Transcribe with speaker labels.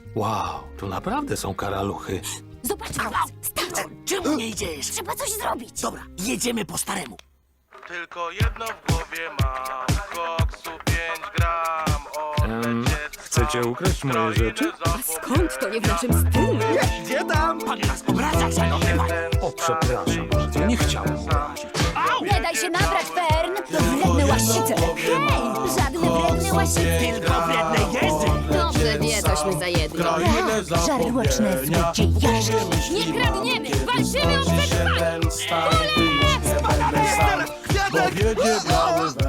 Speaker 1: Wow, tu naprawdę są karaluchy.
Speaker 2: Zobaczmy nas! Starczy!
Speaker 3: Czemu nie idziesz?
Speaker 2: Trzeba coś zrobić!
Speaker 3: Dobra, jedziemy po staremu.
Speaker 4: Tylko jedno w głowie mam, koksu 5 gram,
Speaker 1: Chcecie ukraść moje rzeczy?
Speaker 2: A skąd to nie w naszym stylu?
Speaker 3: Gdzie tam? Pan nas obraża, szanowny pan.
Speaker 1: O, przepraszam bardzo, nie chciałem obrazić.
Speaker 2: Nie daj się nabrać, Fern! To wredne łasice! Hej! Żadne wredne łasice!
Speaker 3: Tylko wredne jezy.
Speaker 2: Dobrze wie, tośmy za jedno. Żarłoczne złodziejaszki! Nie kradniemy! Walczymy o przetrwanie!
Speaker 4: Bo wiedzie biały